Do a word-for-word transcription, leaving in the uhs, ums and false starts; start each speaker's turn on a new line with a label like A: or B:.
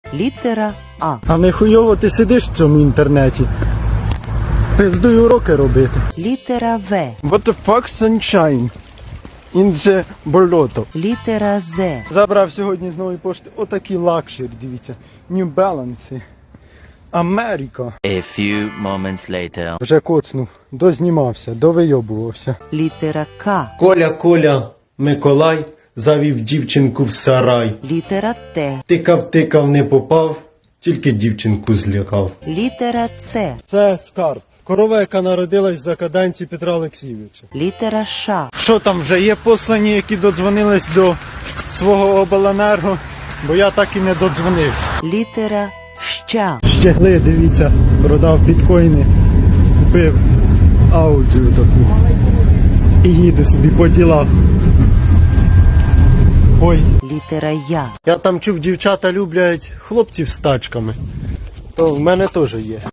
A: Літера А.
B: А не хуйово ти сидиш в цьому інтернеті. Пиздуй уроки робити.
A: Літера В.
B: What the fuck, sunshine? In the болото.
A: Літера З.
B: Забрав сьогодні з нової пошти отакі лакшері, дивіться. New Balance. Америка.
C: A few moments later.
B: Вже коцнув, дознімався, довийобувався.
A: Літера К.
D: Коля, Коля, Миколай завів дівчинку в сарай.
A: Літера Т.
D: Тикав, тикав, не попав, тільки дівчинку злякав.
A: Літера Ц.
B: Це скарб. Корова, яка народилась за каданці Петра Олексійовича.
A: Літера Ш.
B: Що там, вже є послані, які додзвонились до свого обленерго, бо я так і не додзвонився.
A: Літера Щ.
B: Щегли, дивіться, продав біткоїни, купив аудіо таку і їду собі по ділах. Ой,
A: Літера Я.
D: Я там чув, дівчата люблять хлопців з тачками. То в мене теж є.